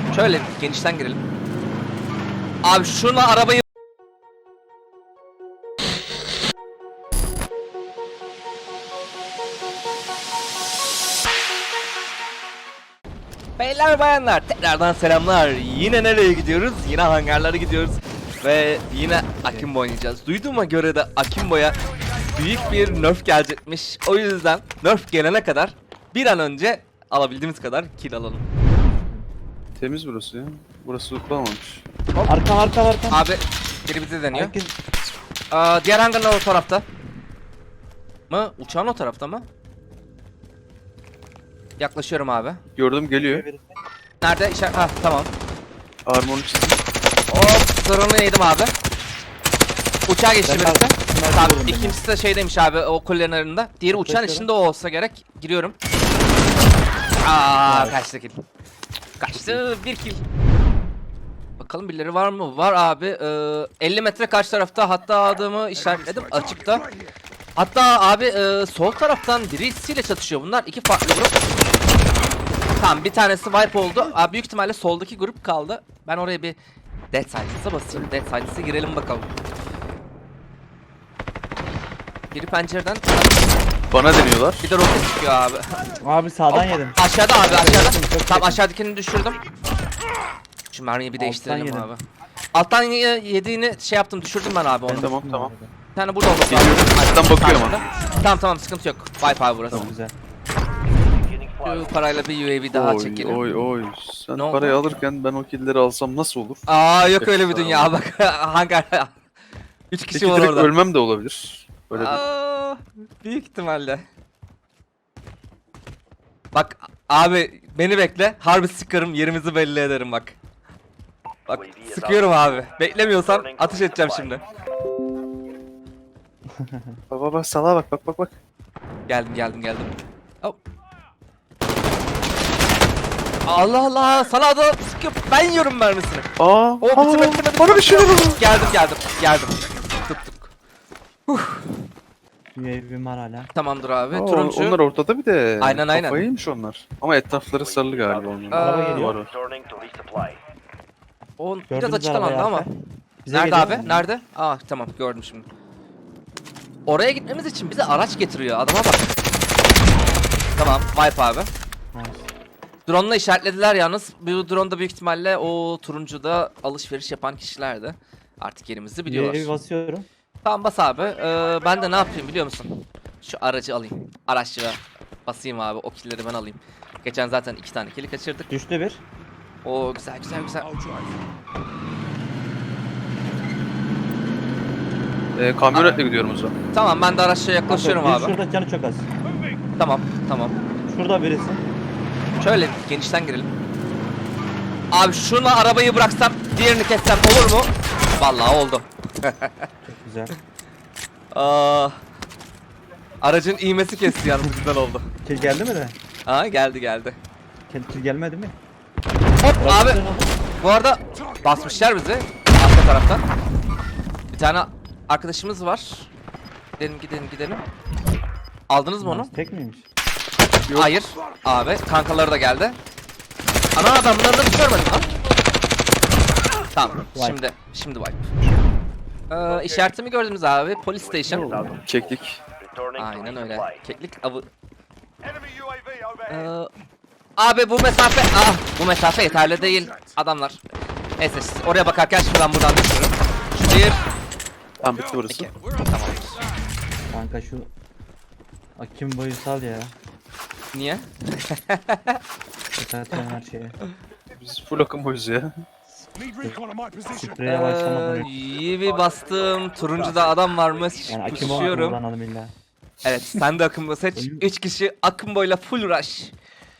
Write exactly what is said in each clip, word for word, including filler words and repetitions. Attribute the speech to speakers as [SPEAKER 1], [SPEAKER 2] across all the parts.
[SPEAKER 1] Şöyle genişten girelim. Abi şuna arabayı... Beyler bayanlar tekrardan selamlar. Yine nereye gidiyoruz? Yine hangarlara gidiyoruz. Ve yine Akimbo oynayacağız. Duyduğuma göre de Akimbo'ya büyük bir nerf gelecekmiş. O yüzden nerf gelene kadar bir an önce alabildiğimiz kadar kill alalım.
[SPEAKER 2] Temiz burası ya. Burası tutulamamış.
[SPEAKER 3] Arka arka arka.
[SPEAKER 1] Abi biri bizi deniyor.
[SPEAKER 3] Herkes
[SPEAKER 1] Aa, diğer hangarlar o tarafta. Mı? Uçağın o tarafta mı? Yaklaşıyorum abi.
[SPEAKER 2] Gördüm geliyor.
[SPEAKER 1] Nerede? İşaret... Ha tamam.
[SPEAKER 2] Armor'u çizdim.
[SPEAKER 1] Hop drone'u yedim abi. Uçağa geçti
[SPEAKER 3] Ben
[SPEAKER 1] birisi.
[SPEAKER 3] kaldım. Ben
[SPEAKER 1] Tamam
[SPEAKER 3] kaldım
[SPEAKER 1] ikincisi de şeydeymiş abi o kulelerin arasında. Diğeri uçağın
[SPEAKER 3] Yaklaşıyorum.
[SPEAKER 1] içinde o olsa gerek. Giriyorum. Aa kaçtı kill. Kaçtı bir kill. Bakalım birileri var mı? Var abi. Ee, elli metre karşı tarafta, hatta adamı işaretledim açıkta. Hatta abi e, sol taraftan birisiyle çatışıyor bunlar. İki farklı grup. Tamam bir tanesi wipe oldu. Abi büyük ihtimalle soldaki grup kaldı. Ben oraya bir Dead Silence'a basayım. Dead Silence'a girelim bakalım. Biri pencereden,
[SPEAKER 2] Bana deniyorlar.
[SPEAKER 1] bir de roket çıkıyor abi.
[SPEAKER 3] Abi sağdan yedim.
[SPEAKER 1] Aşağıda abi aşağıda.
[SPEAKER 3] Çok
[SPEAKER 1] Tamam
[SPEAKER 3] yakın.
[SPEAKER 1] aşağıdakini düşürdüm. Şu mermiyi bir
[SPEAKER 3] Alttan
[SPEAKER 1] değiştirelim
[SPEAKER 3] yedim.
[SPEAKER 1] abi. Alttan ye- yediğini şey yaptım, düşürdüm ben abi onu.
[SPEAKER 3] Ben
[SPEAKER 2] Tamam,
[SPEAKER 3] düştüm
[SPEAKER 2] tamam.
[SPEAKER 3] arada.
[SPEAKER 1] Bir tane burada olması
[SPEAKER 2] Geliyorum.
[SPEAKER 1] lazım.
[SPEAKER 2] Alttan bakıyorum
[SPEAKER 1] Karşıda.
[SPEAKER 2] ama.
[SPEAKER 1] Tamam tamam sıkıntı yok. Wipe abi burası.
[SPEAKER 3] Çok güzel.
[SPEAKER 1] Şu parayla bir U A V daha
[SPEAKER 2] Oy
[SPEAKER 1] çekelim.
[SPEAKER 2] oy oy. Sen
[SPEAKER 1] Ne oldu?
[SPEAKER 2] parayı alırken ben o killleri alsam nasıl olur?
[SPEAKER 1] Aa yok öyle bir
[SPEAKER 2] Efsane.
[SPEAKER 1] dünya bak. Hangar. Üç kişi
[SPEAKER 2] Peki
[SPEAKER 1] var
[SPEAKER 2] direkt
[SPEAKER 1] orada.
[SPEAKER 2] ölmem de olabilir. Öyle bir...
[SPEAKER 1] Aa, büyük ihtimalle. Bak abi beni bekle. Harbi sıkarım, yerimizi belli ederim bak. Bak sıkıyorum abi. Beklemiyorsan ateş edeceğim şimdi.
[SPEAKER 2] Bak bak bak salağa bak bak bak bak.
[SPEAKER 1] Geldim geldim geldim. Hop. Allah Allah sana da sıkıyor. Ben yiyorum mermisini.
[SPEAKER 2] Aa,
[SPEAKER 1] O
[SPEAKER 2] aa,
[SPEAKER 1] bitirme bitirme.
[SPEAKER 2] bana bir şeyler oldu.
[SPEAKER 1] Geldim geldim geldim. Tuttuk.
[SPEAKER 3] U A V'm var hala.
[SPEAKER 1] Tamamdır abi.
[SPEAKER 2] Aa,
[SPEAKER 1] Turuncu.
[SPEAKER 2] Onlar ortada bir de.
[SPEAKER 1] Aynen, aynen.
[SPEAKER 2] Kafayıymış onlar. Ama etrafları sarılı galiba onların.
[SPEAKER 3] Araba
[SPEAKER 1] Aa,
[SPEAKER 3] geliyor.
[SPEAKER 2] Var var.
[SPEAKER 1] O biraz
[SPEAKER 3] Gördünüz
[SPEAKER 1] açıktan
[SPEAKER 3] arabayı
[SPEAKER 1] aldı ama.
[SPEAKER 3] arka. Bize
[SPEAKER 1] Nerede
[SPEAKER 3] geliyor.
[SPEAKER 1] abi? Nerede? Aa tamam gördüm şimdi. Oraya gitmemiz için bize araç getiriyor. Adama bak. Tamam, wipe abi.
[SPEAKER 3] Nice.
[SPEAKER 1] Drone'la işaretlediler yalnız. Bu drone da büyük ihtimalle o turuncuda alışveriş yapan kişilerdi. Artık yerimizi
[SPEAKER 3] U A V
[SPEAKER 1] biliyorlar.
[SPEAKER 3] basıyorum.
[SPEAKER 1] Tamam bas abi. Ee, ben de ne yapayım biliyor musun? Şu aracı alayım. Araççıya basayım abi. O killleri ben alayım. Geçen zaten iki tane killi kaçırdık.
[SPEAKER 3] Düştü bir.
[SPEAKER 1] Oo güzel güzel güzel.
[SPEAKER 2] Ee, kamyonetle gidiyorum o zaman.
[SPEAKER 1] Tamam ben de araççıya yaklaşıyorum
[SPEAKER 3] Biri
[SPEAKER 1] abi.
[SPEAKER 3] Şurada canı çok az.
[SPEAKER 1] Tamam tamam.
[SPEAKER 3] Şurada birisi.
[SPEAKER 1] Şöyle genişten girelim. Abi şuna arabayı bıraksam diğerini kessem olur mu? Vallahi oldu.
[SPEAKER 3] Çok güzel.
[SPEAKER 1] Aa, aracın iğmesi kesti yalnız güzel oldu.
[SPEAKER 3] Kill geldi mi de?
[SPEAKER 1] Aa geldi geldi.
[SPEAKER 3] Kill, kill gelmedi mi?
[SPEAKER 1] Hop abi
[SPEAKER 3] Bırakın onu.
[SPEAKER 1] bu arada basmışlar bizi arka taraftan. Bir tane arkadaşımız var. Gidelim gidelim gidelim. Aldınız mı onu?
[SPEAKER 3] Nice. Tek miymiş?
[SPEAKER 2] Yok.
[SPEAKER 1] Hayır. Abi kankaları da geldi. Ana adam bunları da hiç görmedim lan. Tamam
[SPEAKER 3] Wipe.
[SPEAKER 1] şimdi şimdi wipe. Ee, işaretimi gördünüz abi. Police station.
[SPEAKER 2] Keklik.
[SPEAKER 1] Aynen öyle. Keklik avı. Ee, abi bu mesafe ah bu mesafe yeterli değil adamlar. Neyse siz oraya bakarken şimdi ben buradan düşürürüm. Bir,
[SPEAKER 2] Tamam bitti burası.
[SPEAKER 1] iki. Tamamdır.
[SPEAKER 3] Kanka şu Akim boyu sal ya.
[SPEAKER 1] Niye?
[SPEAKER 3] Zaten her şeye.
[SPEAKER 2] Biz full akım boyuz ya.
[SPEAKER 3] Spreye başlamadan
[SPEAKER 1] Ee,
[SPEAKER 3] önce.
[SPEAKER 1] iyi bir bastım. Turuncuda adam varmış.
[SPEAKER 3] Yani Akim'i
[SPEAKER 1] Pushuyorum.
[SPEAKER 3] kullanalım illa.
[SPEAKER 1] Evet sen de akımbo seç. üç kişi akımboyla full rush.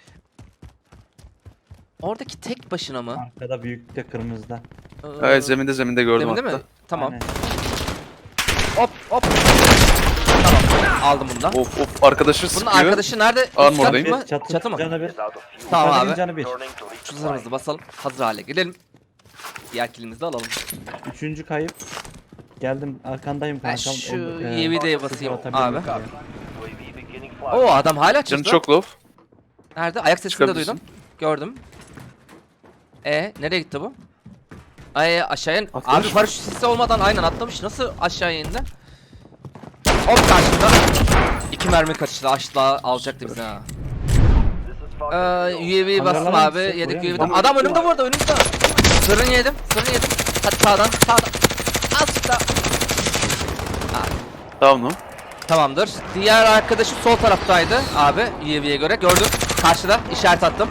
[SPEAKER 1] Oradaki tek başına mı?
[SPEAKER 3] Arkada büyük de kırmızıda.
[SPEAKER 1] Ee,
[SPEAKER 2] Evet zeminde zeminde gördüm
[SPEAKER 1] Zeminde
[SPEAKER 2] hatta.
[SPEAKER 1] mi? Tamam.
[SPEAKER 3] Aynen.
[SPEAKER 1] Hop hop. Tamam aldım bunu da.
[SPEAKER 2] Of of arkadaşı
[SPEAKER 1] Bunun
[SPEAKER 2] sıkıyor.
[SPEAKER 1] arkadaşı nerede? Üst
[SPEAKER 2] Armordayım.
[SPEAKER 1] kat mı?
[SPEAKER 3] Çatı,
[SPEAKER 1] Çatı mı?
[SPEAKER 3] Canı bir.
[SPEAKER 1] Tamam
[SPEAKER 3] Yukarıdaki
[SPEAKER 1] abi.
[SPEAKER 3] Canı bir.
[SPEAKER 1] Şu zırhımızı basalım. Hazır hale gelelim. Diğer kilimizi de alalım.
[SPEAKER 3] Üçüncü kayıp. Geldim arkandayım
[SPEAKER 1] Ben
[SPEAKER 3] kankam.
[SPEAKER 1] şu
[SPEAKER 3] O- e,
[SPEAKER 1] U A V'de
[SPEAKER 3] sıfır
[SPEAKER 1] basayım
[SPEAKER 3] atabilirim
[SPEAKER 1] abi.
[SPEAKER 3] diye.
[SPEAKER 1] Oo adam hala
[SPEAKER 2] Canı
[SPEAKER 1] çıktı.
[SPEAKER 2] çok low.
[SPEAKER 1] Nerede? Ayak sesini de
[SPEAKER 2] Çıkabilirsin.
[SPEAKER 1] duydum. Gördüm. E nereye gitti bu? Ay aşağıya.
[SPEAKER 2] Atlamış
[SPEAKER 1] Abi
[SPEAKER 2] mı?
[SPEAKER 1] paraşüt sesi olmadan aynen atlamış. Nasıl aşağıya indi? Hop karşımda. İki mermi kaçtı. Aşağı alacaktı bizi ha. Ee, U A V'yi bastım
[SPEAKER 3] Kameralar
[SPEAKER 1] abi.
[SPEAKER 3] yüksek,
[SPEAKER 1] Yedik
[SPEAKER 3] buraya
[SPEAKER 1] U A V'den.
[SPEAKER 2] mı?
[SPEAKER 1] Adam önümde burada önümde. Sırrını yedim. Sırrını yedim. Hadi sağdan sağdan. Azıcık daha.
[SPEAKER 2] Tamam mı?
[SPEAKER 1] Tamamdır. Diğer arkadaşı sol taraftaydı abi U A V'ye göre. Gördüm. Karşıda işaret attım.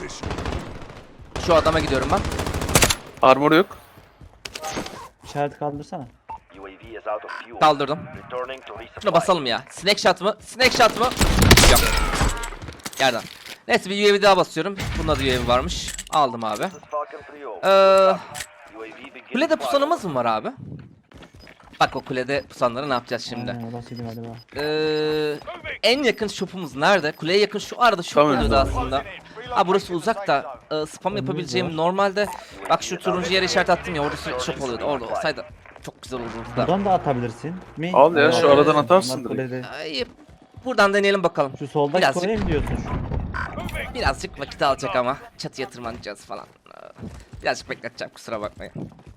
[SPEAKER 1] Şu adama gidiyorum ben.
[SPEAKER 2] Armor yok.
[SPEAKER 3] İşaret kaldırsana.
[SPEAKER 1] Kaldırdım. Şuna basalım ya. Snake shot mı? Snake shot mı? Yok. Yerden. Neyse bir U A V daha basıyorum. Bunda da U A V varmış. Aldım abi. Ee, kulede pusanımız mı var abi? Bak o kulede pusanları ne yapacağız şimdi?
[SPEAKER 3] Aynen orasıydı galiba.
[SPEAKER 1] Ee, en yakın shop'umuz nerede? Kuleye yakın şu arada shop
[SPEAKER 2] Tamam,
[SPEAKER 1] oluyordu
[SPEAKER 2] tamam.
[SPEAKER 1] aslında. Ha burası uzak da e, spam yapabileceğim normalde bak şu turuncu yere işaret attım ya orada shop oluyordu. Orada olsaydı çok güzel olurdu da.
[SPEAKER 3] Buradan da atabilirsin. Mi?
[SPEAKER 2] Al ya,
[SPEAKER 1] şu
[SPEAKER 3] Ee,
[SPEAKER 2] aradan atarsın
[SPEAKER 3] bunlar
[SPEAKER 2] direkt.
[SPEAKER 3] kulede.
[SPEAKER 1] Ay, buradan deneyelim bakalım.
[SPEAKER 3] Şu soldaki
[SPEAKER 1] Birazcık-
[SPEAKER 3] kuleye mi diyorsun?
[SPEAKER 1] Birazcık vakit alacak ama çatıya tırmanacağız falan. Ee, Birazcık bekleteceğim kusura bakmayın.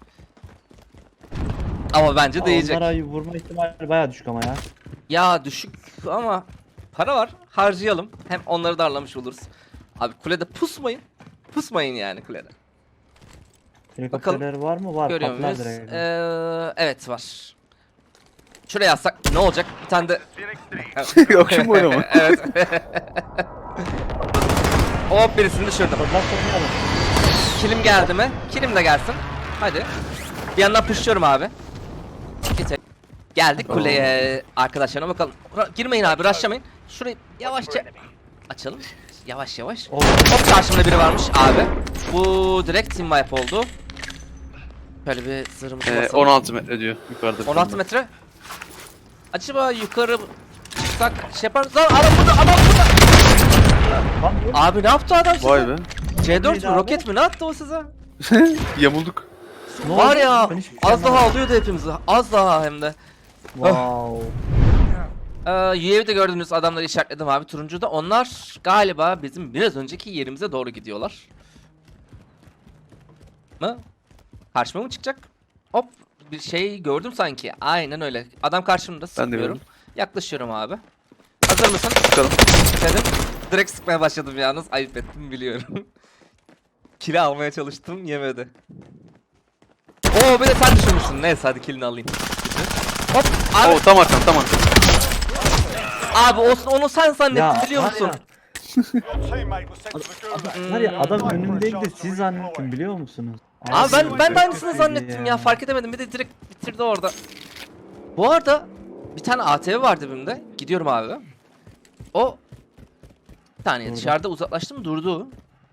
[SPEAKER 1] Ama bence değecek.
[SPEAKER 3] Onlara vurma ihtimali bayağı düşük ama ya.
[SPEAKER 1] Ya düşük ama para var harcayalım. Hem onları darlamış oluruz. Abi kulede pusmayın. Pusmayın yani kulede.
[SPEAKER 3] Helikopterler var mı? Var.
[SPEAKER 1] Görüyor
[SPEAKER 3] Patlar
[SPEAKER 1] muyuz?
[SPEAKER 3] direkt.
[SPEAKER 1] Ee, evet var. Şuraya yazsak ne olacak? Bir tane de...
[SPEAKER 2] Akşam oynama.
[SPEAKER 1] Evet. Hop birisini düşürdüm.
[SPEAKER 3] Patlar patlayalım.
[SPEAKER 1] Kilim geldi mi? Kilim de gelsin. Hadi. Bir yandan pushluyorum abi. Getir. Geldik kuleye. Arkadaşlarına bakalım. Ra- Girmeyin abi, rushlamayın. Şurayı yavaşça açalım. Yavaş yavaş.
[SPEAKER 3] Oh.
[SPEAKER 1] Hop karşımda biri varmış abi. Bu direkt team wipe oldu. Böyle bir zırhımızı
[SPEAKER 2] Ee,
[SPEAKER 1] basalım.
[SPEAKER 2] on altı metre diyor yukarıda. bir
[SPEAKER 1] on altı
[SPEAKER 2] tane.
[SPEAKER 1] metre. Acaba yukarı çıksak şey yapar mısın? Lan adam burada, adam burada.
[SPEAKER 3] Lan dur.
[SPEAKER 1] Abi ne yaptı adam size?
[SPEAKER 2] Vay be.
[SPEAKER 1] C dört
[SPEAKER 3] Neydi
[SPEAKER 1] mü,
[SPEAKER 3] abi?
[SPEAKER 1] roket mi? Ne attı o size?
[SPEAKER 2] Yamulduk.
[SPEAKER 3] Ne
[SPEAKER 1] Var
[SPEAKER 3] oldu?
[SPEAKER 1] ya,
[SPEAKER 3] Ben hiçbir şey
[SPEAKER 1] az daha
[SPEAKER 3] anlamadım.
[SPEAKER 1] alıyordu hepimizi. Az daha hem de.
[SPEAKER 3] Wow.
[SPEAKER 1] Ee, U A V'de gördüğünüz adamları işaretledim abi turuncuda. Onlar galiba bizim biraz önceki yerimize doğru gidiyorlar. Mı? Karşıma mı çıkacak? Hop bir şey gördüm sanki. Aynen öyle. Adam karşımda sıkıyorum.
[SPEAKER 2] gördüm.
[SPEAKER 1] Yaklaşıyorum abi. Hazır mısın?
[SPEAKER 2] Bakalım.
[SPEAKER 1] Dedim. Direkt sıkmaya başladım yalnız. Ayıp ettim biliyorum. Kili almaya çalıştım yemedi. Oo bir de sen düşürmüşsün. Neyse hadi kilini alayım. Hop abi.
[SPEAKER 2] Oo, tam arkam tam arkam.
[SPEAKER 1] Abi olsun onu sen zannettin
[SPEAKER 3] Ya,
[SPEAKER 1] biliyor
[SPEAKER 3] var
[SPEAKER 1] musun?
[SPEAKER 3] ya. Var ya adam önümdeydi de siz zannettim biliyor musunuz?
[SPEAKER 1] Abi ben ben de
[SPEAKER 3] çok
[SPEAKER 1] aynısını
[SPEAKER 3] kötüydü
[SPEAKER 1] zannettim ya. fark edemedim bir de direkt bitirdi orada. Bu arada bir tane A T V var dibimde. Gidiyorum abi. O bir saniye
[SPEAKER 3] Durdu.
[SPEAKER 1] dışarıda uzaklaştım durdu.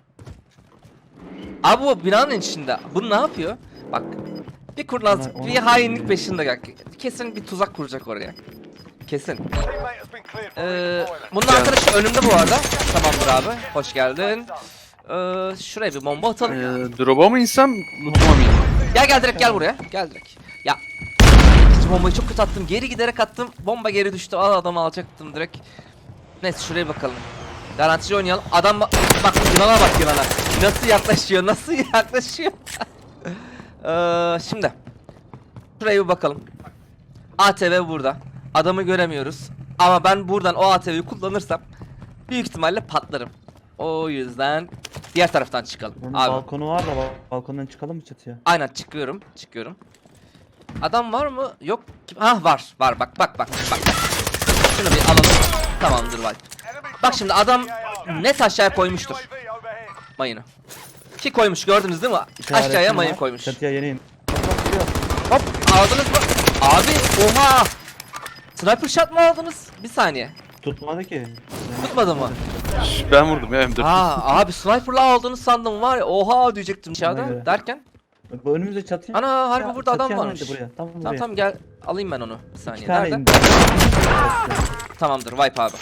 [SPEAKER 1] Abi bu binanın içinde. Bu ne yapıyor? Bak bir kurnazlık,
[SPEAKER 3] Ona-
[SPEAKER 1] bir
[SPEAKER 3] ona-
[SPEAKER 1] hainlik peşinde bak. Kesin bir tuzak kuracak oraya. Kesin. Ee, bunun arkadaşı önümde bu arada. Tamamdır abi. Hoş geldin. Ee, şuraya bir bomba atalım.
[SPEAKER 2] Ee, drop'a mı insem, loot'uma mı ineyim?
[SPEAKER 1] Gel gel direkt gel buraya. Gel direkt. Ya. İkinci bombayı çok kötü attım. Geri giderek attım. Bomba geri düştü. Al adamı alacaktım direkt. Neyse şuraya bakalım. Garantici oynayalım. Adam bak, bak yılana bak yılana. Nasıl yaklaşıyor? Nasıl yaklaşıyor? ee, şimdi. Şuraya bir bakalım. A T V burada. Adamı göremiyoruz. Ama ben buradan o A T V'yi kullanırsam büyük ihtimalle patlarım. O yüzden diğer taraftan çıkalım.
[SPEAKER 3] Bunun
[SPEAKER 1] Abi.
[SPEAKER 3] balkonu var da bal- balkondan çıkalım mı çatıya?
[SPEAKER 1] Aynen çıkıyorum, çıkıyorum. Adam var mı? Yok. Kim- Ha var, var. Bak, bak, bak, bak. Şunu bir alalım. Tamamdır var. Bak şimdi adam net aşağıya koymuştur mayını. Ki koymuş gördünüz değil mi?
[SPEAKER 3] İşaretim
[SPEAKER 1] Aşağıya mayın
[SPEAKER 3] var.
[SPEAKER 1] koymuş.
[SPEAKER 3] Çatıya yeni in.
[SPEAKER 1] Hop aldınız mı? Abi oha. Sniper shot mı aldınız? Bir saniye.
[SPEAKER 3] Tutmadı ki.
[SPEAKER 1] Tutmadı mı?
[SPEAKER 2] Şş, Ben vurdum ya M dört.
[SPEAKER 1] Ha abi sniper'la aldığını sandım var ya. Oha diyecektim dışarıda
[SPEAKER 3] Aynen.
[SPEAKER 1] derken.
[SPEAKER 3] Bak bu önümüzde çatıya.
[SPEAKER 1] Ana harbi
[SPEAKER 3] Ya,
[SPEAKER 1] burada adam
[SPEAKER 3] çatıya
[SPEAKER 1] varmış.
[SPEAKER 3] indi Buraya. Tam buraya.
[SPEAKER 1] Tamam tamam gel alayım ben onu. Bir
[SPEAKER 3] İki
[SPEAKER 1] saniye.
[SPEAKER 3] tane
[SPEAKER 1] Nerede?
[SPEAKER 3] indi.
[SPEAKER 1] Tamamdır wipe abi.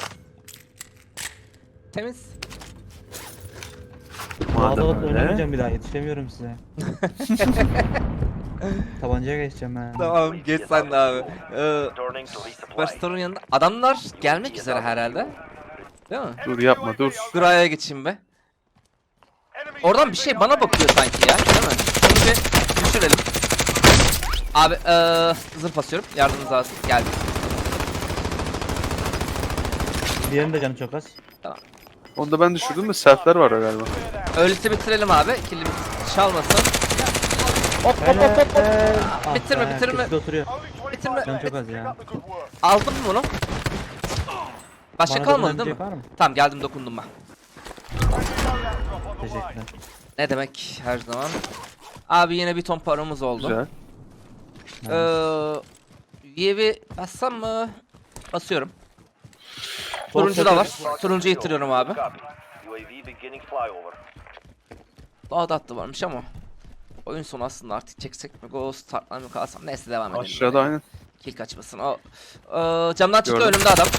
[SPEAKER 1] Temiz.
[SPEAKER 3] Madem
[SPEAKER 2] Madem öyle.
[SPEAKER 3] oynamayacağım bir daha yetişemiyorum size. Tabancaya geçeceğim ben.
[SPEAKER 1] Tamam geç sen de abi. Ee, Superstar'ın yanında adamlar gelmek üzere herhalde. Değil mi?
[SPEAKER 2] Dur yapma dur.
[SPEAKER 1] Gura'ya geçeyim be. Oradan bir şey bana bakıyor sanki ya. Değil mi? Şunu bir düşürelim. Abi eee zırh basıyorum. Yardımınız lazım. Geldi.
[SPEAKER 3] Diğerinin de canı çok az.
[SPEAKER 2] Onu da ben düşürdüm de selfler var galiba.
[SPEAKER 1] Öyleyse bitirelim abi. Kilimiz çalmasın. Hop hop hop hop hop.
[SPEAKER 3] Ah
[SPEAKER 1] Bitirme,
[SPEAKER 3] be,
[SPEAKER 1] bitirme.
[SPEAKER 3] köşede oturuyor.
[SPEAKER 1] Bitirme.
[SPEAKER 3] Canı çok az ya.
[SPEAKER 1] Aldın mı bunu? Başka
[SPEAKER 3] Bana
[SPEAKER 1] kalmadı değil mi?
[SPEAKER 3] dokunabilecek var mı?
[SPEAKER 1] Tamam geldim dokundum ben.
[SPEAKER 3] Teşekkürler.
[SPEAKER 1] Ne demek her zaman. Abi yine bir ton paramız oldu.
[SPEAKER 2] Güzel.
[SPEAKER 1] Ee, U A V bassam mı? Basıyorum. Turuncu da var. Turuncu yitiriyorum abi.
[SPEAKER 4] U A V beginning flyover.
[SPEAKER 1] Daha da attı varmış ama. Oyun sonu aslında artık çeksek mi Ghost, startlar mı kalsam neyse devam edelim.
[SPEAKER 2] Aşağıda aynen.
[SPEAKER 1] Kill kaçmasın. O ee, camdan çıktı
[SPEAKER 2] Gördüm.
[SPEAKER 1] önümde adam.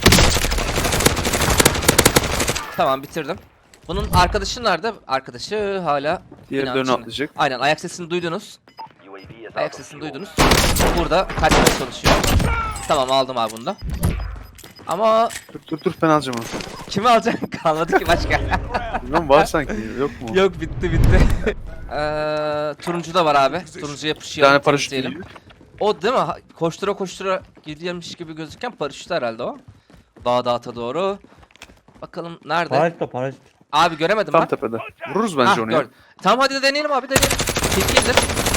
[SPEAKER 1] Tamam bitirdim. Bunun arkadaşı nerede? Arkadaşı hala
[SPEAKER 2] Diğer
[SPEAKER 1] binanın
[SPEAKER 2] dönü
[SPEAKER 1] içinde.
[SPEAKER 2] atlayacak.
[SPEAKER 1] Aynen ayak sesini duydunuz.
[SPEAKER 4] U A V is out
[SPEAKER 1] Ayak
[SPEAKER 4] of
[SPEAKER 1] sesini
[SPEAKER 4] fuel.
[SPEAKER 1] duydunuz. Burada kaçmaya çalışıyor. Tamam aldım abi bunu da. Ama
[SPEAKER 2] Dur dur dur ben alacağım onu.
[SPEAKER 1] kimi alacaksın? Kalmadı ki başka.
[SPEAKER 2] Bilmem var sanki yok mu?
[SPEAKER 1] Yok bitti bitti. Eee turuncu da var abi. Turuncu
[SPEAKER 2] Bir
[SPEAKER 1] yapışıyor.
[SPEAKER 2] tane paraşüt
[SPEAKER 1] diyelim.
[SPEAKER 2] geliyor.
[SPEAKER 1] O değil mi? Ha- Koştura koştura gidiyormuş gibi gözüken paraşüt herhalde o. Dağ dağıta doğru. Bakalım nerede?
[SPEAKER 3] Parazit de parazit.
[SPEAKER 1] Abi göremedim
[SPEAKER 2] Tam
[SPEAKER 1] ben.
[SPEAKER 2] tepede. Vururuz bence
[SPEAKER 1] Hah,
[SPEAKER 2] onu ya.
[SPEAKER 1] gördüm. Tamam hadi de deneyelim abi deneyelim. Tilkidir.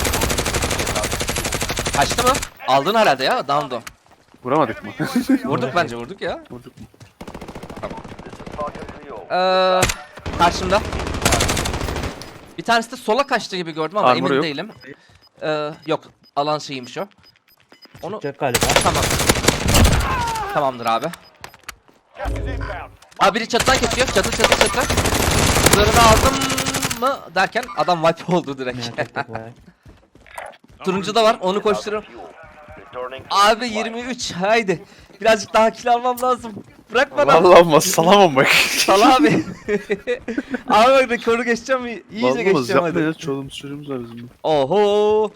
[SPEAKER 1] Kaçtı mı? Aldın herhalde ya. Down'du.
[SPEAKER 2] Vuramadık mı?
[SPEAKER 1] Vurduk bence vurduk ya.
[SPEAKER 2] Vurduk mu?
[SPEAKER 4] This is Falcon three oh.
[SPEAKER 1] Eee karşımda. Bir tanesi de sola kaçtı gibi gördüm ama
[SPEAKER 2] Armor
[SPEAKER 1] emin
[SPEAKER 2] yok.
[SPEAKER 1] değilim. Eee yok alan şeyiymiş o. Onu
[SPEAKER 3] Çıkacak galiba.
[SPEAKER 1] tamam. Tamamdır abi. Abi biri çatıdan kesiyor. Çatı çatı çatı. Zırhını aldım mı derken adam wipe oldu direkt.
[SPEAKER 3] Merak ettik vay.
[SPEAKER 1] Turuncu da var. Onu koşturuyorum.
[SPEAKER 4] Fuel. Returning to
[SPEAKER 1] Abi
[SPEAKER 4] flight.
[SPEAKER 1] yirmi üç haydi. Birazcık daha kill almam lazım. Bırak bana.
[SPEAKER 2] Vallahi olmaz salamam bak.
[SPEAKER 1] Sal abi. Abi bak rekoru geçeceğim. İyice
[SPEAKER 2] Vallahi olmaz
[SPEAKER 1] geçeceğim
[SPEAKER 2] yapma ya
[SPEAKER 1] hadi.
[SPEAKER 2] çoluğumuz çocuğumuz var bizim. de.
[SPEAKER 1] Oho.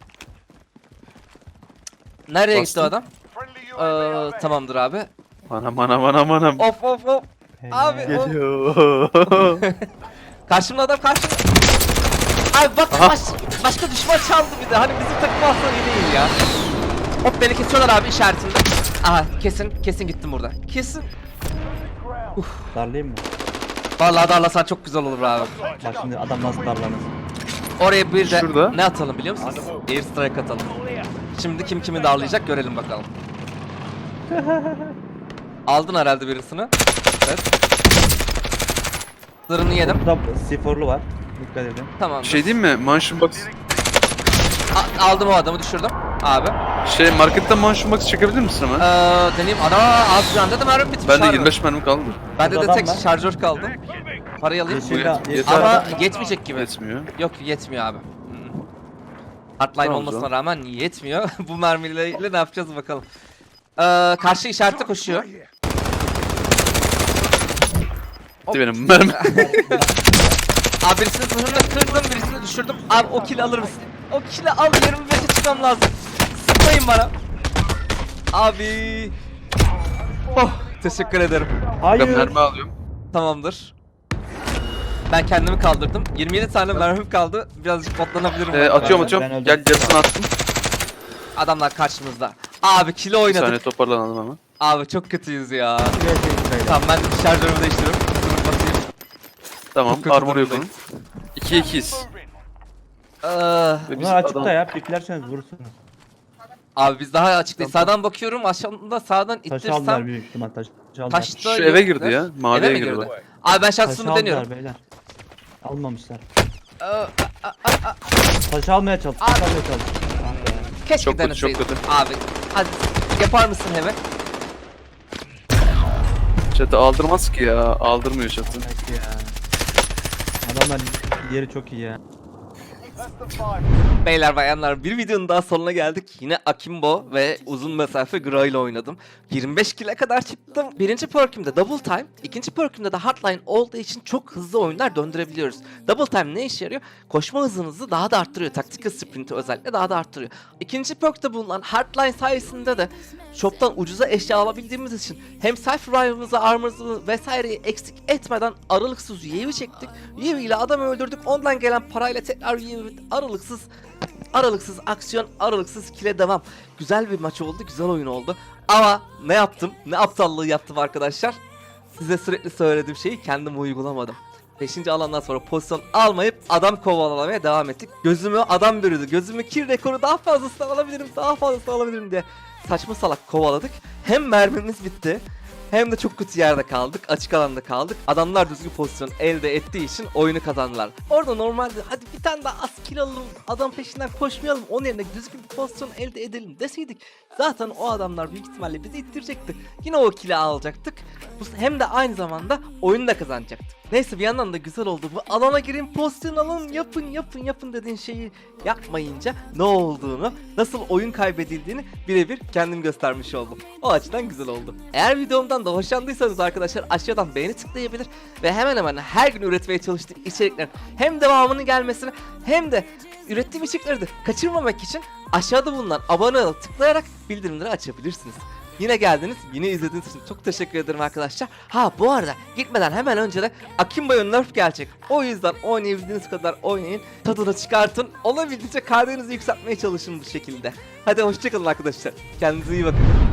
[SPEAKER 1] Nereye gitti
[SPEAKER 2] Bastın.
[SPEAKER 1] o adam? Ee, tamamdır abi.
[SPEAKER 2] Anam anam anam anam.
[SPEAKER 1] Of of of. Abi o.
[SPEAKER 2] Geliyor.
[SPEAKER 1] Karşımda adam karşımda. Abi bak
[SPEAKER 2] Aha.
[SPEAKER 1] baş, başka düşman çaldı bir de. Hani bizim takım alsa iyi değil ya. Hop beni kesiyorlar abi işaretimde. Aha kesin kesin gittim burada. Kesin.
[SPEAKER 3] Darlayayım mı?
[SPEAKER 1] Vallahi darlasan çok güzel olur abi.
[SPEAKER 3] Bak şimdi adam nasıl darlanır.
[SPEAKER 1] Oraya bir de
[SPEAKER 2] Şurada.
[SPEAKER 1] ne atalım biliyor musunuz? Air strike atalım. Şimdi kim kimi darlayacak görelim bakalım. Aldın herhalde birisini. Evet. Zırhını yedim.
[SPEAKER 3] Burada siforlu var. Dikkat edin.
[SPEAKER 1] Tamam.
[SPEAKER 2] Şey diyeyim mi? Mansion Box.
[SPEAKER 1] A- aldım o adamı düşürdüm. Abi.
[SPEAKER 2] Şey marketten Mansion Box çekebilir misin
[SPEAKER 1] Ee,
[SPEAKER 2] hemen?
[SPEAKER 1] deneyeyim. Ana az bir anda da mermi bitmiş.
[SPEAKER 2] Bende
[SPEAKER 1] harbi.
[SPEAKER 2] yirmi beş mermi kaldı.
[SPEAKER 1] Bende de
[SPEAKER 3] Burada
[SPEAKER 1] tek
[SPEAKER 3] adam var.
[SPEAKER 1] şarjör kaldı. Parayı alayım.
[SPEAKER 3] Yeşil,
[SPEAKER 2] Yeter.
[SPEAKER 3] yeşil
[SPEAKER 1] Ama
[SPEAKER 3] adam-
[SPEAKER 1] yetmeyecek gibi.
[SPEAKER 2] Yetmiyor.
[SPEAKER 1] Yok yetmiyor abi. Hı. Hardline
[SPEAKER 2] Tamam o
[SPEAKER 1] olmasına
[SPEAKER 2] zaman.
[SPEAKER 1] rağmen yetmiyor. Bu mermilerle ne yapacağız bakalım. Ee, karşı işarette koşuyor.
[SPEAKER 2] Gitti benim mermi.
[SPEAKER 1] Abi birisini zırhını kırdım, birisini düşürdüm. Abi o kill'i alır mısın? O kill'i al, yirmi beşe çıkmam lazım. Sıkmayın bana. Abi. Oh, teşekkür ederim.
[SPEAKER 2] Ben
[SPEAKER 3] Hayır.
[SPEAKER 2] mermi alıyorum.
[SPEAKER 1] Tamamdır. Ben kendimi kaldırdım. yirmi yedi tane mermim kaldı. Birazcık botlanabilirim.
[SPEAKER 2] Ee,
[SPEAKER 1] ben.
[SPEAKER 2] atıyorum
[SPEAKER 3] Ben
[SPEAKER 2] atıyorum.
[SPEAKER 3] öldüm.
[SPEAKER 2] Gel yarısını attım.
[SPEAKER 1] Adamlar karşımızda. Abi kill'i
[SPEAKER 2] Bir
[SPEAKER 1] oynadık.
[SPEAKER 2] saniye toparlanalım hemen.
[SPEAKER 1] Abi çok kötüyüz ya.
[SPEAKER 3] Tamam.
[SPEAKER 1] Tamam ben de şarjörümü değiştiriyorum. Zırhımı basayım.
[SPEAKER 2] Tamam
[SPEAKER 1] Çok kötü
[SPEAKER 2] armor yok
[SPEAKER 1] durumdayım.
[SPEAKER 2] onun. ikiye ikiyiz.
[SPEAKER 1] Ee,
[SPEAKER 2] Ve biz
[SPEAKER 3] Bunlar açıkta
[SPEAKER 2] adam-
[SPEAKER 3] ya. Piklerseniz vurursunuz.
[SPEAKER 1] abi biz daha açık değil. Sağdan bakıyorum aşağıda sağdan
[SPEAKER 3] Taş aldılar
[SPEAKER 1] ittirsem.
[SPEAKER 3] büyük ihtimal taş. taş aldılar.
[SPEAKER 1] Taşta
[SPEAKER 2] Şu eve
[SPEAKER 1] yoktur.
[SPEAKER 2] girdi ya, maviye
[SPEAKER 1] Eve mi
[SPEAKER 2] girdi.
[SPEAKER 1] girdi? Abi ben
[SPEAKER 3] Taşı
[SPEAKER 1] şansımı
[SPEAKER 3] aldılar
[SPEAKER 1] deniyorum.
[SPEAKER 3] beyler. Almamışlar.
[SPEAKER 1] Ee,
[SPEAKER 3] Taşı almaya çalış. Taşı almaya çalış. Ah be.
[SPEAKER 1] keşke
[SPEAKER 2] Çok kötü,
[SPEAKER 1] deneseydim.
[SPEAKER 2] çok kötü.
[SPEAKER 1] Abi hadi yapar mısın hemen?
[SPEAKER 2] Çatı aldırmaz ki ya. Aldırmıyor çatı.
[SPEAKER 3] Belki ya. Adamlar yeri çok iyi ya.
[SPEAKER 1] Beyler bayanlar bir videonun daha sonuna geldik. Yine Akimbo ve uzun mesafe Gra ile oynadım. yirmi beş kill'e kadar çıktım. Birinci perk'ümde Double Time, ikinci perk'ümde de Hardline olduğu için çok hızlı oyunlar döndürebiliyoruz. Double Time ne işe yarıyor? Koşma hızınızı daha da arttırıyor. Tactical Sprint'i özellikle daha da arttırıyor. İkinci perk'te bulunan Hardline sayesinde de shop'tan ucuza eşya alabildiğimiz için hem self revive'ımızı, armor'ımızı vesaireyi eksik etmeden aralıksız U A V çektik. U A V ile adamı öldürdük. Ondan gelen parayla tekrar U A V aralıksız aralıksız aksiyon, aralıksız kile devam. Güzel bir maç oldu, güzel oyun oldu. Ama ne yaptım? Ne aptallığı yaptım arkadaşlar? Size sürekli söylediğim şeyi kendim uygulamadım. beşinci alandan sonra pozisyon almayıp adam kovalamaya devam ettik. Gözümü adam bürüdü. Gözümü kill rekoru daha fazlasını alabilirim, daha fazlasını alabilirim diye saçma salak kovaladık. Hem mermimiz bitti, hem de çok kötü yerde kaldık, açık alanda kaldık. Adamlar düzgün pozisyon elde ettiği için oyunu kazandılar. Orada normalde hadi bir tane daha az kill alalım, adam peşinden koşmayalım, onun yerine düzgün bir pozisyon elde edelim deseydik zaten o adamlar büyük ihtimalle bizi ittirecekti. Yine o kill'i alacaktık. Hem de aynı zamanda oyunu da kazanacaktık. Neyse bir yandan da güzel oldu. Bu alana girin, pozisyon alın, yapın yapın yapın dediğin şeyi yapmayınca ne olduğunu, nasıl oyun kaybedildiğini birebir kendim göstermiş oldum. O açıdan güzel oldu. Eğer videomdan da hoşlandıysanız arkadaşlar aşağıdan beğeni tıklayabilir ve hemen hemen her gün üretmeye çalıştığım içeriklerin hem devamının gelmesini hem de ürettiğim içerikleri de kaçırmamak için aşağıda bulunan abone ol tıklayarak bildirimleri açabilirsiniz. Yine geldiniz, yine izlediğiniz için çok teşekkür ederim arkadaşlar. Ha bu arada gitmeden hemen önce de Akimba'ya nerf gelecek. O yüzden oynayabildiğiniz kadar oynayın, tadını çıkartın. Olabildiğince K D'nizi yükseltmeye çalışın bu şekilde. Hadi hoşçakalın arkadaşlar. Kendinize iyi bakın.